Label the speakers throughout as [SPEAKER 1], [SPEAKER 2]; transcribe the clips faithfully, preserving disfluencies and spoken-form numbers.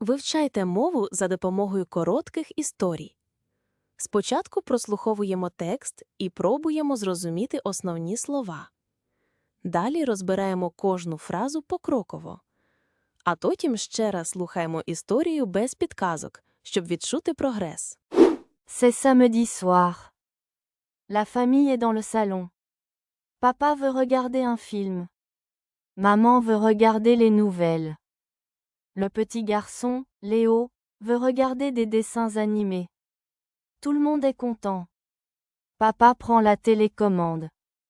[SPEAKER 1] Вивчайте мову за допомогою коротких історій. Спочатку прослуховуємо текст і пробуємо зрозуміти основні слова. Далі розбираємо кожну фразу покроково. А потім ще раз слухаємо історію без підказок, щоб відчути прогрес.
[SPEAKER 2] C'est samedi soir. La famille est dans le salon. Papa veut regarder un film. Maman veut regarder les nouvelles. Le petit garçon, Léo, veut regarder des dessins animés. Tout le monde est content. Papa prend la télécommande.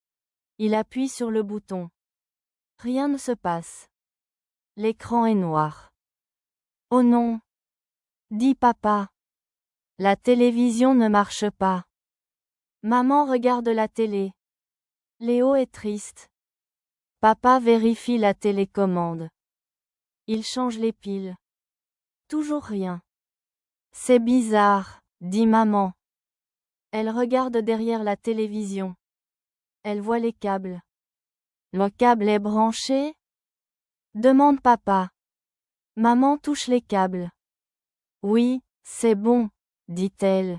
[SPEAKER 2] Il appuie sur le bouton. Rien ne se passe. L'écran est noir. Oh non! Dit papa. La télévision ne marche pas. Maman regarde la télé. Léo est triste. Papa vérifie la télécommande. Il change les piles. Toujours rien. C'est bizarre, dit maman. Elle regarde derrière la télévision. Elle voit les câbles. Le câble est branché? Demande papa. Maman touche les câbles. Oui, c'est bon, dit-elle.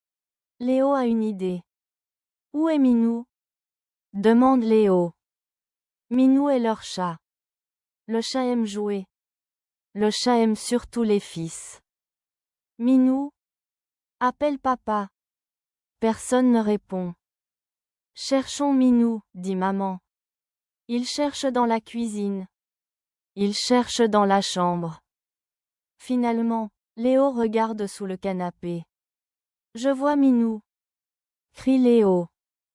[SPEAKER 2] Léo a une idée. Où est Minou? Demande Léo. Minou est leur chat. Le chat aime jouer. Le chat aime surtout les fils. Minou? Appelle papa. Personne ne répond. Cherchons Minou, dit maman. Il cherche dans la cuisine. Il cherche dans la chambre. Finalement, Léo regarde sous le canapé. Je vois Minou. Crie Léo.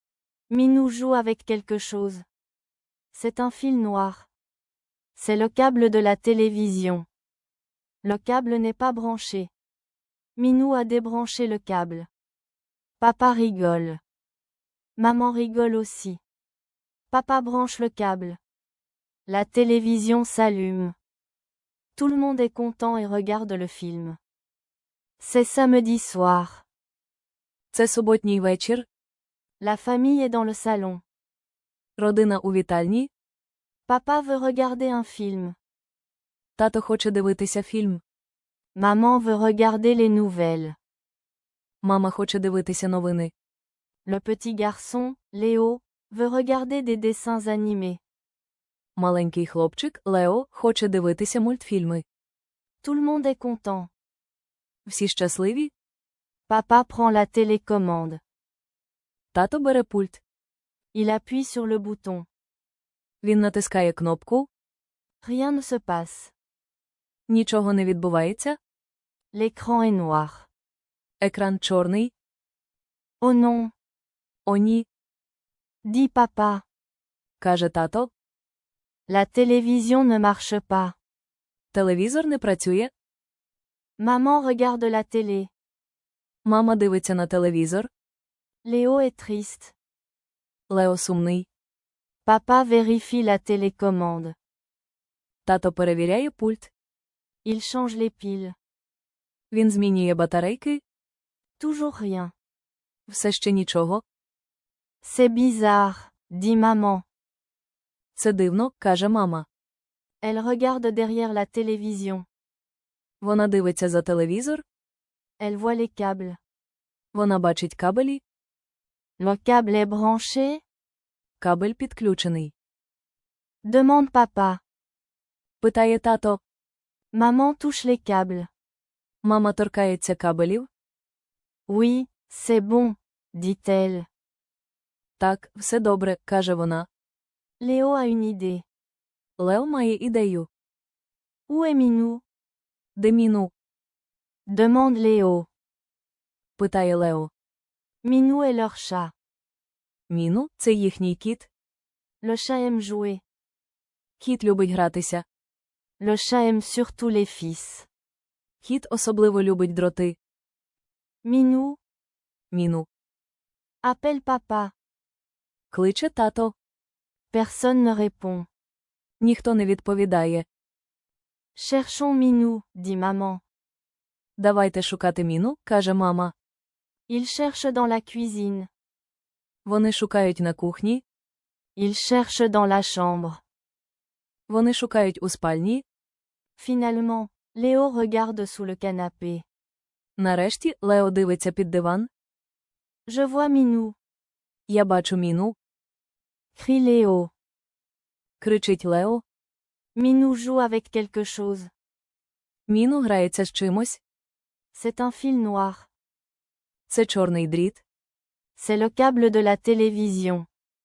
[SPEAKER 2] Minou joue avec quelque chose. C'est un fil noir. C'est le câble de la télévision. Le câble n'est pas branché. Minou a débranché le câble. Papa rigole. Maman rigole aussi. Papa branche le câble. La télévision s'allume. Tout le monde est content et regarde le film. C'est samedi soir.
[SPEAKER 3] Це суботній вечір.
[SPEAKER 2] La famille est dans le salon.
[SPEAKER 3] Родина у вітальні.
[SPEAKER 2] Papa veut regarder un film.
[SPEAKER 3] Тато хоче дивитися фільм.
[SPEAKER 2] Maman veut regarder les nouvelles.
[SPEAKER 3] Мама хоче дивитися новини.
[SPEAKER 2] Le petit garçon, Léo, veut regarder des dessins animés.
[SPEAKER 3] Маленький хлопчик, Лео, хоче дивитися мультфільми.
[SPEAKER 2] Tout le monde est content.
[SPEAKER 3] Всі щасливі?
[SPEAKER 2] Papa prend la télécommande.
[SPEAKER 3] Тато бере пульт.
[SPEAKER 2] Il appuie sur le bouton.
[SPEAKER 3] Він натискає кнопку.
[SPEAKER 2] Rien ne se passe.
[SPEAKER 3] Нічого не відбувається.
[SPEAKER 2] L'écran est noir.
[SPEAKER 3] Екран чорний.
[SPEAKER 2] Oh non!
[SPEAKER 3] О ні,
[SPEAKER 2] Dit papa.
[SPEAKER 3] каже тато.
[SPEAKER 2] La télévision ne marche pas.
[SPEAKER 3] Телевізор не працює.
[SPEAKER 2] Maman regarde la télé.
[SPEAKER 3] Мама дивиться на телевізор.
[SPEAKER 2] Léo est triste.
[SPEAKER 3] Лео сумний.
[SPEAKER 2] Papa vérifie la télécommande.
[SPEAKER 3] Тато перевіряє пульт.
[SPEAKER 2] Il change les piles.
[SPEAKER 3] Він змінює батарейки.
[SPEAKER 2] Toujours rien.
[SPEAKER 3] Все ще нічого.
[SPEAKER 2] C'est bizarre, dit maman.
[SPEAKER 3] Це дивно, каже мама.
[SPEAKER 2] Elle regarde derrière la télévision.
[SPEAKER 3] Вона дивиться за телевізор.
[SPEAKER 2] Elle voit les câbles.
[SPEAKER 3] Вона бачить кабелі.
[SPEAKER 2] Le câble est branché?
[SPEAKER 3] Кабель підключений.
[SPEAKER 2] Demande papa.
[SPEAKER 3] Питає тато.
[SPEAKER 2] Maman touche les câbles.
[SPEAKER 3] Мама торкається кабелів.
[SPEAKER 2] Oui, c'est bon, dit-elle.
[SPEAKER 3] Так, все добре, каже вона.
[SPEAKER 2] Léo a une idée.
[SPEAKER 3] Лео має ідею.
[SPEAKER 2] Où est Minou?
[SPEAKER 3] Де Міну?
[SPEAKER 2] Demande Léo.
[SPEAKER 3] Питає Лео.
[SPEAKER 2] Minou est leur chat.
[SPEAKER 3] Міну – це їхній кіт.
[SPEAKER 2] Le chat aime jouer.
[SPEAKER 3] Кіт любить гратися.
[SPEAKER 2] Le chat aime surtout les fils.
[SPEAKER 3] Кіт особливо любить дроти.
[SPEAKER 2] Minou?
[SPEAKER 3] Міну.
[SPEAKER 2] Appelle papa.
[SPEAKER 3] Кличе тато.
[SPEAKER 2] Personne ne répond.
[SPEAKER 3] Ніхто не відповідає.
[SPEAKER 2] Cherchons Minou, dit maman.
[SPEAKER 3] Давайте шукати Міну, каже мама.
[SPEAKER 2] Il cherche dans la cuisine.
[SPEAKER 3] Вони шукають на кухні.
[SPEAKER 2] Il cherche dans la chambre.
[SPEAKER 3] Вони шукають у спальні.
[SPEAKER 2] Finalement, Léo regarde sous le canapé.
[SPEAKER 3] Нарешті Лео дивиться під диван.
[SPEAKER 2] Je vois Minou,
[SPEAKER 3] Я бачу Міну.
[SPEAKER 2] crie Léo.
[SPEAKER 3] Кричить Лео.
[SPEAKER 2] Minou joue avec quelque chose.
[SPEAKER 3] Міну грається з чимось.
[SPEAKER 2] C'est un fil noir.
[SPEAKER 3] Це чорний дріт.
[SPEAKER 2] C'est le câble de la télévision.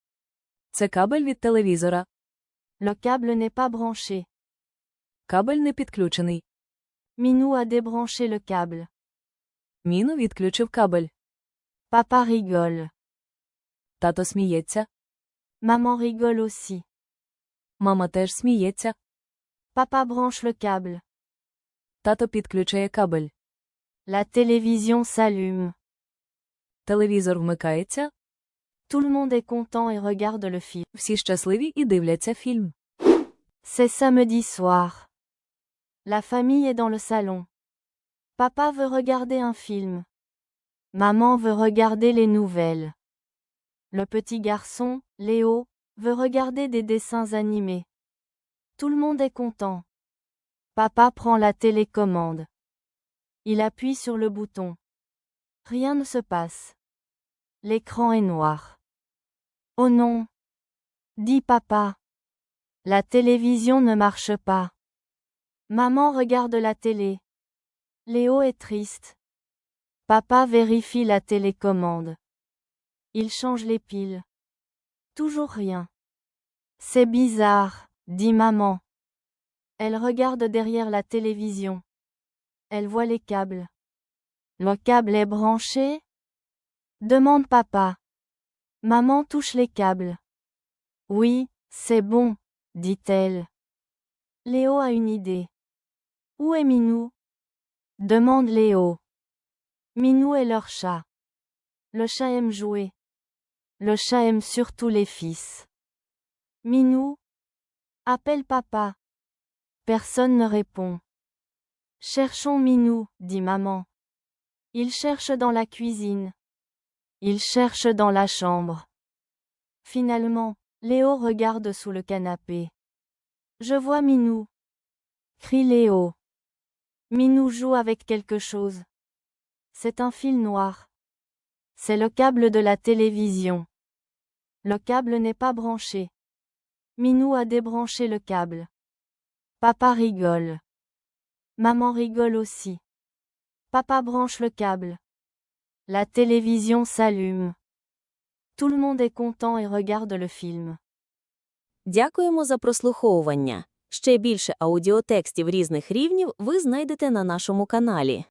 [SPEAKER 3] Це кабель від телевізора.
[SPEAKER 2] Le câble n'est pas branché.
[SPEAKER 3] Кабель не підключений.
[SPEAKER 2] Minou a débranché le câble.
[SPEAKER 3] Міну відключив кабель.
[SPEAKER 2] Papa rigole.
[SPEAKER 3] Тато сміється.
[SPEAKER 2] Maman rigole aussi.
[SPEAKER 3] Мама теж сміється.
[SPEAKER 2] Papa branche le câble.
[SPEAKER 3] Тато підключає кабель.
[SPEAKER 2] La télévision s'allume.
[SPEAKER 3] Телевізор вмикається.
[SPEAKER 2] Tout le monde est content et regarde le film.
[SPEAKER 3] Всі щасливі і дивляться фільм.
[SPEAKER 2] C'est samedi soir. La famille est dans le salon. Papa veut regarder un film. Maman veut regarder les nouvelles. Le petit garçon, Léo, veut regarder des dessins animés. Tout le monde est content. Papa prend la télécommande. Il appuie sur le bouton. Rien ne se passe. L'écran est noir. Oh non! Dit papa. La télévision ne marche pas. Maman regarde la télé. Léo est triste. Papa vérifie la télécommande. Il change les piles. Toujours rien. C'est bizarre, dit maman. Elle regarde derrière la télévision. Elle voit les câbles. Le câble est branché? Demande papa. Maman touche les câbles. Oui, c'est bon, dit-elle. Léo a une idée. Où est Minou? Demande Léo. Minou est leur chat. Le chat aime jouer. Le chat aime surtout les fils. Minou? Appelle papa. Personne ne répond. Cherchons Minou, dit maman. Il cherche dans la cuisine. Il cherche dans la chambre. Finalement, Léo regarde sous le canapé. Je vois Minou. Crie Léo. Minou joue avec quelque chose. C'est un fil noir. C'est le câble de la télévision. Le câble n'est pas branché. Minou a débranché le câble. Papa rigole. Maman rigole aussi. Papa branche le câble. La télévision s'allume. Tout le monde est content et regarde le film.
[SPEAKER 1] Дякуємо за прослуховування. Ще більше аудіотекстів різних рівнів ви знайдете на нашому каналі.